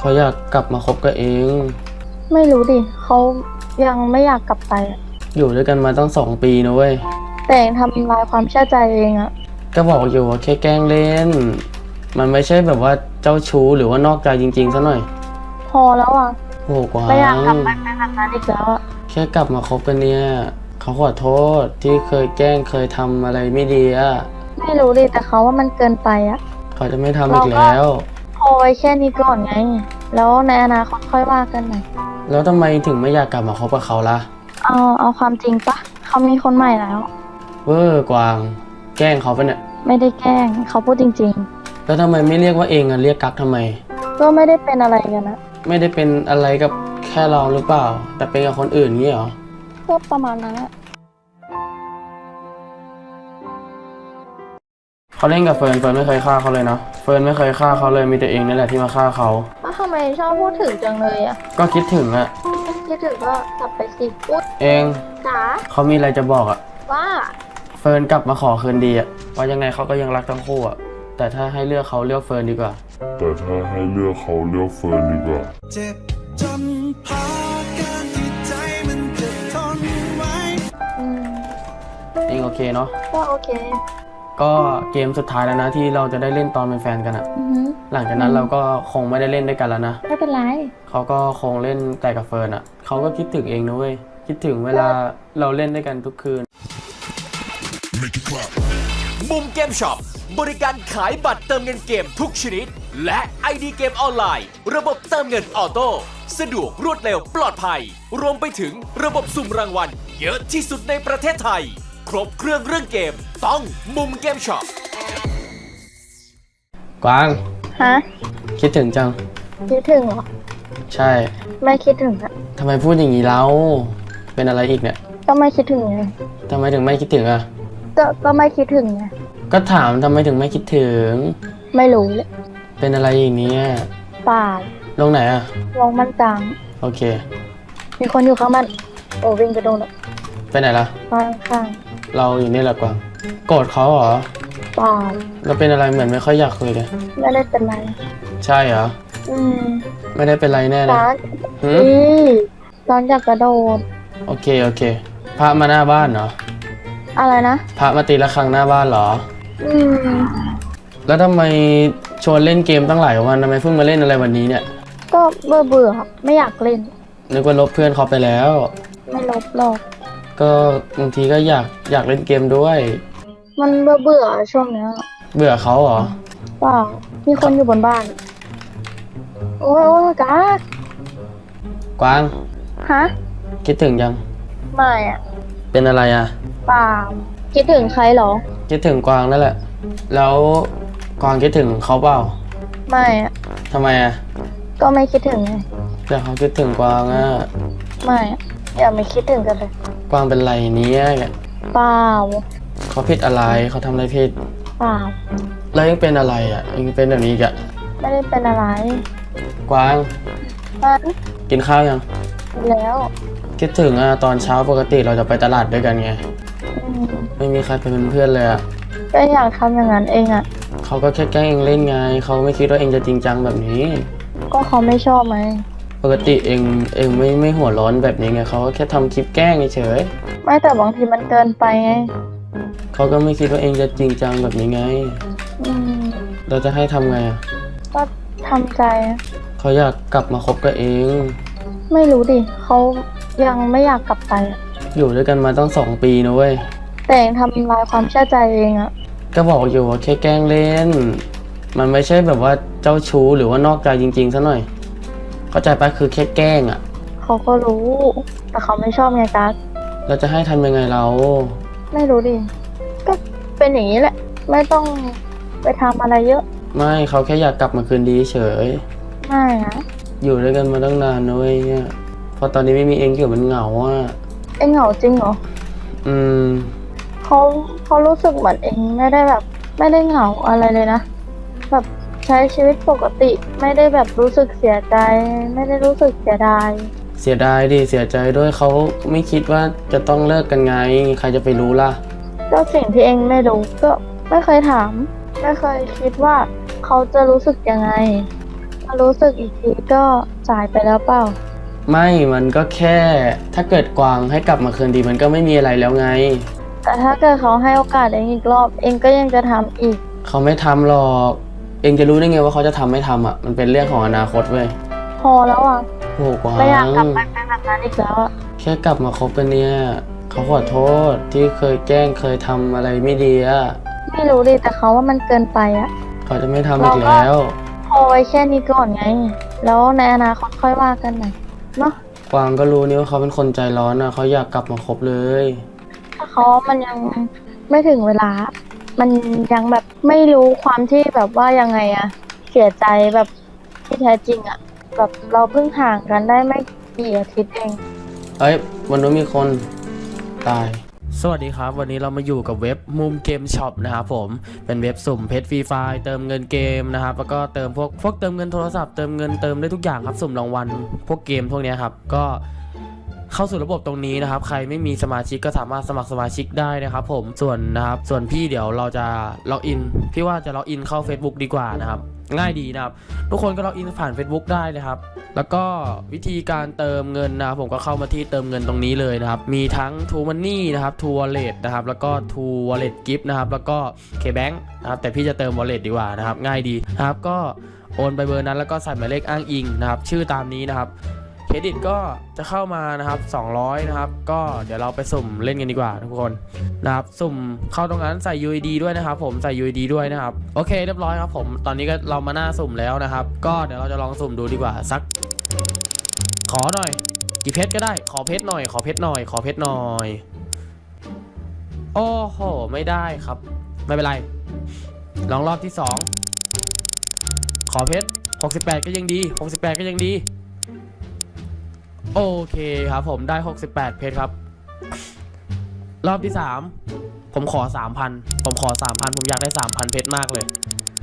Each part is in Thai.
เขาอยากกลับมาคบกับเองไม่รู้ดิเขายังไม่อยากกลับไปอะอยู่ด้วยกันมาตั้ง2 ปีนะเว้ยแต่ยังทำลายความเชื่อใจเองอะก็บอกอยู่ว่าแค่แกล้งเล่นมันไม่ใช่แบบว่าเจ้าชู้หรือว่านอกใจจริงๆซะหน่อยพอแล้วอะโอ้กวางไม่อยากกลับไปเป็นแบบนั้นอีกแล้วอะแค่กลับมาคบกันเนี่ยเขาขอโทษที่เคยแกล้งเคยทำอะไรไม่ดีอะไม่รู้ดิแต่เขาว่ามันเกินไปอะเขาจะไม่ทำอีกแล้วพอไว้แค่นี้ก่อนไงแล้วในอนาคตค่อยว่ากันใหม่แล้วทำไมถึงไม่อยากกลับมาคบกับเขาล่ะเอาความจริงปะเขามีคนใหม่แล้วเวอร์กวางแกล้งเขาปะเนี่ยไม่ได้แกล้งเขาพูดจริงแล้วทำไมไม่เรียกว่าเองอะเรียกกั๊กทำไมก็ไม่ได้เป็นอะไรกันนะไม่ได้เป็นอะไรกับแค่เราหรือเปล่าแต่เป็นกับคนอื่นงี้เหรอก็ประมาณนั้นอะเขาเล่นกับเฟิร์นไม่เคยฆ่าเขาเลยนะเฟิร์นไม่เคยฆ่าเขาเลยมีแต่เองนี่แหละที่มาฆ่าเขาแล้วทำไมชอบพูดถึงจังเลยอะก็คิดถึงอะคิดถึงก็กลับไปสิพูดเองจ๋าเขามีอะไรจะบอกอะว่าเฟิร์นกลับมาขอคืนดีอะว่ายังไงเขาก็ยังรักทั้งคู่อะแต่ถ้าให้เลือกเขาเลือกเฟิร์นดีกว่าแต่ถ้าให้เลือกเขาเลือกเฟิร์นดีกว่าเจ็บจนพอการที่ใจมันจะทนไว้เองโอเคเนาะก็โอเคก็เกมสุดท้ายแล้วนะที่เราจะได้เล่นตอนเป็นแฟนกันอะหลังจากนั้นเราก็คงไม่ได้เล่นด้วยกันแล้วนะไม่เป็นไรเขาก็คงเล่นแต่กับเฟิร์นอะเขาก็คิดถึงเองนะเว้ยคิดถึงเวลาเราเล่นด้วยกันทุกคืนมุมเกมช็อปบริการขายบัตรเติมเงินเกมทุกชนิดและ ID เกมออนไลน์ระบบเติมเงินออโต้สะดวกรวดเร็วปลอดภัยรวมไปถึงระบบสุ่มรางวัลเยอะที่สุดในประเทศไทยครบเครื่องเรื่องเกมต้องมุมเกมช็อปกวางฮะคิดถึงจังคิดถึงเหรอใช่ไม่คิดถึงอะทำไมพูดอย่างนี้แล้วเป็นอะไรอีกเนี่ยก็ไม่คิดถึงไงทำไมถึงไม่คิดถึงอะก็ไม่คิดถึงไงก็ถามทำไมถึงไม่คิดถึงไม่รู้เลยเป็นอะไรอีกเนี่ยป่าลงไหนอะลงมันจังโอเคมีคนอยู่ข้างมันโอ้วิ่งไปโดนแล้วไปไหนล่ะข้างเราอยู่นี่แหละกวางโกรธเขาเหรอป่าเราเป็นอะไรเหมือนไม่ค่อยอยากคุยเลยไม่ได้เป็นไรใช่เหรอไม่ได้เป็นไรแน่เลยร้อนอยากกระโดดโอเคพระมาหน้าบ้านเหรออะไรนะพระมาตีระฆังหน้าบ้านเหรอแล้วทำไมชวนเล่นเกมตั้งหลายวันทำไมเพิ่งมาเล่นอะไรวันนี้เนี่ยก็เบื่อครับไม่อยากเล่นนึกว่าลบเพื่อนเขาไปแล้วไม่ลบหรอกก็บางทีก็อยากเล่นเกมด้วยมันเบื่อช่วงนี้เบื่อเขาเหรอเปล่ามีคนอยู่บนบ้านโอ้ยกวางฮะคิดถึงยังไม่อะเป็นอะไรอะเปล่าคิดถึงใครหรอคิดถึงกวางนั่นแหละแล้วกวางคิดถึงเขาเปล่าไม่อะทำไมอะก็ไม่คิดถึงไงแต่เขาคิดถึงกวางอะไม่อะอย่าไม่คิดถึงกันเลยกวางเป็นไรเนี้ยเปล่าเขาผิดอะไรเขาทำอะไรผิดเปล่าแล้วยังเป็นอะไรอะยังเป็นแบบนี้อีกอะไม่ได้เป็นอะไรกวางกินข้าวยังแล้วคิดถึงอะตอนเช้าปกติเราจะไปตลาดด้วยกันไงไม่มีใครเป็นเพื่อนเลยอะก็อยากทำอย่างนั้นเองอะเขาก็แค่แกล้งเองเล่นไงเขาไม่คิดว่าเองจะจริงจังแบบนี้ก็เขาไม่ชอบไหมปกติเองไม่หัวร้อนแบบนี้ไงเขาก็แค่ทำคลิปแกล้งเฉยไม่แต่บางทีมันเกินไปไงเขาก็ไม่คิดว่าเองจะจริงจังแบบนี้ไงเราจะให้ทำไงอะก็ทำใจเขาอยากกลับมาคบกับเองไม่รู้ดิเขายังไม่อยากกลับไปอยู่ด้วยกันมาตั้ง2 ปีนะเว้ยแต่ยังทำลายความเชื่อใจเองอะก็บอกอยู่ว่าแค่แกล้งเล่นมันไม่ใช่แบบว่าเจ้าชู้หรือว่านอกใจจริงๆซะหน่อยเข้าใจปะคือแค่แกล้งอะเขาก็รู้แต่เขาไม่ชอบไงกัสเราจะให้ทำยังไงเราไม่รู้ดิก็เป็นอย่างนี้แหละไม่ต้องไปทำอะไรเยอะไม่เขาแค่อยากกลับมาคืนดีเฉยไม่อะอยู่ด้วยกันมาตั้งนานนะเว้ยเนี่ยพอตอนนี้ไม่มีเองเกี่ยวมันเหงาอ่ะเองเหงาจริงเหรอเขารู้สึกเหมือนเองไม่ได้แบบไม่ได้เหงาอะไรเลยนะแบบใช้ชีวิตปกติไม่ได้แบบรู้สึกเสียใจไม่ได้รู้สึกเสียดายดิเสียใจด้วยเขาไม่คิดว่าจะต้องเลิกกันไงใครจะไปรู้ล่ะก็สิ่งที่เองไม่รู้ก็ไม่เคยถามไม่เคยคิดว่าเขาจะรู้สึกยังไงมารู้สึกอีกทีก็สายไปแล้วเปล่าไม่มันก็แค่ถ้าเกิดกวางให้กลับมาคืนดีมันก็ไม่มีอะไรแล้วไงแต่ถ้าเกิดเขาให้โอกาสเองอีกรอบ เองก็ยังจะทำอีกเขาไม่ทำหรอกเองจะรู้ได้ไงว่าเขาจะทำไม่ทำอ่ะมันเป็นเรื่องของอนาคตเว้ยพอแล้วอ่ะโอ้กวางไม่อยากกลับไปเป็นแบบนั้นอีกแล้วอ่ะแค่กลับมาคบกันเนี่ยเขาขอโทษที่เคยแกล้งเคยทำอะไรไม่ดีอ่ะไม่รู้ดิแต่เขาว่ามันเกินไปอ่ะเขาจะไม่ทำอีกแล้วพอไว้แค่นี้ก่อนไง แล้วในอนาคตค่อยว่ากันใหม่เนาะกวางก็รู้นี่ว่าเขาเป็นคนใจร้อนอ่ะเขาอยากกลับมาคบเลยถ้าเขามันยังไม่ถึงเวลา มันยังแบบไม่รู้ความที่แบบว่ายังไงอะเสียใจแบบที่แท้จริงอะแบบเราเพิ่งห่างกันได้ไม่กี่อาทิตย์เองเอ้ยวันนู้นมีคนตายสวัสดีครับวันนี้เรามาอยู่กับเว็บมุมเกมช็อปนะครับผมเป็นเว็บสุ่มเพชรฟรีไฟล์เติมเงินเกมนะครับแล้วก็เติมพวกเติมเงินโทรศัพท์เติมเงินเติมได้ทุกอย่างครับสุ่มรางวัลพวกเกมพวกนี้ครับก็เข้าสู่ระบบตรงนี้นะครับใครไม่มีสมาชิกก็สามารถสมัครสมาชิกได้นะครับผมส่วนพี่เดี๋ยวเราจะล็อกอินพี่ว่าจะล็อกอินเข้า Facebook ดีกว่านะครับง่ายดีนะครับทุกคนก็ล็อกอินผ่าน Facebook ได้นะครับแล้วก็วิธีการเติมเงินนะครับผมก็เข้ามาที่เติมเงินตรงนี้เลยนะครับมีทั้ง True Money นะครับ True Wallet นะครับแล้วก็ True Wallet Gift นะครับแล้วก็ KBank นะครับแต่พี่จะเติม Wallet ดีกว่านะครับง่ายดีนะครับก็โอนไปเบอร์นั้นแล้วก็ใส่หมายเลขอ้างอิงนะครับชื่อตามนี้นะครับเครดิตก็จะเข้ามานะครับ200นะครับก็เดี๋ยวเราไปสุ่มเล่นกันดีกว่าทุกคนนะครับสุ่มเข้าตรงนั้นใส่ UID ด้วยนะครับผมใส่ UID ด้วยนะครับโอเคเรียบร้อยครับผมตอนนี้ก็เรามาหน้าสุ่มแล้วนะครับก็เดี๋ยวเราจะลองสุ่มดูดีกว่าสักขอหน่อยกี่เพชรก็ได้ขอเพชรหน่อยขอเพชรหน่อยขอเพชรหน่อยโอ้โหไม่ได้ครับไม่เป็นไรลองรอบที่2ขอเพชร68ก็ยังดี68ก็ยังดีโอเคครับผมได้68เพชรครับรอบที่3ผมขอ 3,000 ผมขอ 3,000 ผมอยากได้ 3,000 เพชรมากเลย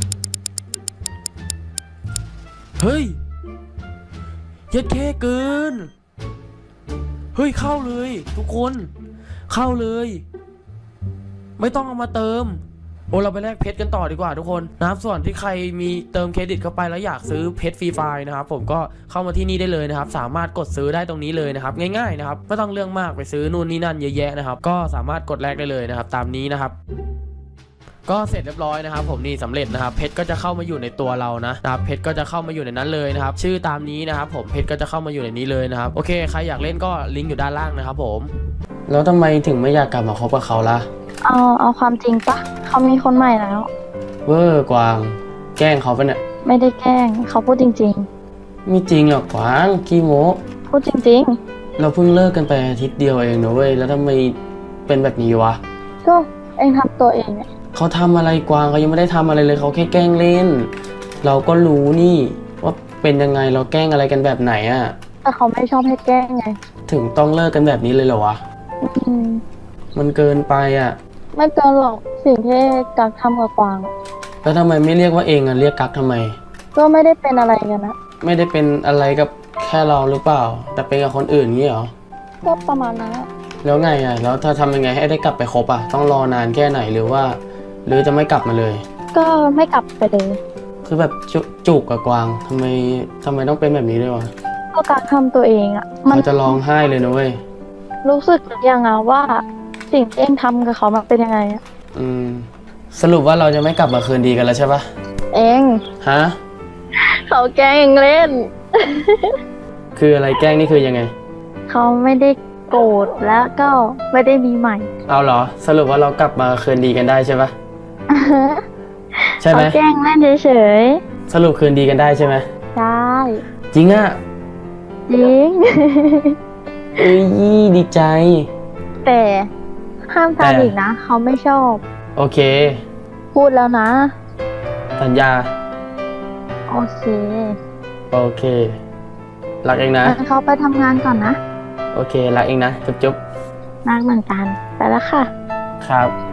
เฮ้ยเย็ดแค่เกินเฮ้ยเข้าเลยทุกคนเข้าเลยไม่ต้องเอามาเติมโอ้เราไปแลกเพชรกันต่อดีกว่าทุกคนนะครับส่วนที่ใครมีเติมเครดิตเข้าไปแล้วอยากซื้อเพชรฟรีไฟล์นะครับผมก็เข้ามาที่นี่ได้เลยนะครับสามารถกดซื้อได้ตรงนี้เลยนะครับง่ายๆนะครับไม่ต้องเรื่องมากไปซื้อนู่นนี่นั่นเยอะแยะนะครับก็สามารถกดแลกได้เลยนะครับตามนี้นะครับก็เสร็จเรียบร้อยนะครับผมนี่สำเร็จนะครับเพชรก็จะเข้ามาอยู่ในตัวเรานะครับเพชรก็จะเข้ามาอยู่ในนั้นเลยนะครับชื่อตามนี้นะครับผมเพชรก็จะเข้ามาอยู่ในนี้เลยนะครับโอเคใครอยากเล่นก็ลิงก์อยู่ด้านล่างนะครับผมแล้วทำไมถึงไม่อยากกลับมาคบกับเขาล่ะเอาความจริงปะเขามีคนใหม่แล้วเวอร์กวางแกล้งเขาปะเนี่ยไม่ได้แกล้งเขาพูดจริงๆไม่จริงหรอกกวางขี้โม้พูดจริงๆเราเพิ่งเลิกกันไปอาทิตย์เดียวเองนะเว้ยแล้วทำไมเป็นแบบนี้วะก็เองทำตัวเองเนี่ยเขาทำอะไรกวางเขายังไม่ได้ทำอะไรเลยเขาแค่แกล้งเล่นเราก็รู้นี่ว่าเป็นยังไงเราแกล้งอะไรกันแบบไหนอะแต่เขาไม่ชอบให้แกล้งไงถึงต้องเลิกกันแบบนี้เลยเหรอวะมันเกินไปอะไม่เกินหรอกสิ่งที่กักทำกับกวางแล้วทำไมไม่เรียกว่าเองอะเรียกกักทำไมก็ไม่ได้เป็นอะไรกันนะไม่ได้เป็นอะไรกับแค่เราหรือเปล่าแต่เป็นกับคนอื่นงี้เหรอก็ประมาณนั้นแล้วไงอะแล้วถ้าทำยังไงให้ได้กลับไปคบอะต้องรอนานแค่ไหนหรือจะไม่กลับมาเลยก็ไม่กลับไปเลยคือแบบจุกกับกวางทำไมต้องเป็นแบบนี้ด้วยวะก็กักทำตัวเองอะมันจะร้องไห้เลยนะเว้ยรู้สึกยังไงว่าสิ่งที่เองทำกับเขามันเป็นยังไงอะสรุปว่าเราจะไม่กลับมาคืนดีกันแล้วใช่ปะเองฮะเขาแกล้งเองเล่นคืออะไรแกล้งนี่คือยังไงเขาไม่ได้โกรธแล้วก็ไม่ได้มีใหม่เอาเหรอสรุปว่าเรากลับมาคืนดีกันได้ใช่ปะใช่ไหมเขาแกล้งเล่นเฉยสรุปคืนดีกันได้ใช่ไหมใช่จริงอะจริงเอ้ยดีใจแต่ห้ามทำอีกนะเขาไม่ชอบโอเคพูดแล้วนะสัญญาโอเครักเองนะเขาไปทำงานก่อนนะโอเครักเองนะจุ๊บรักเหมือนกันไปแล้วค่ะครับ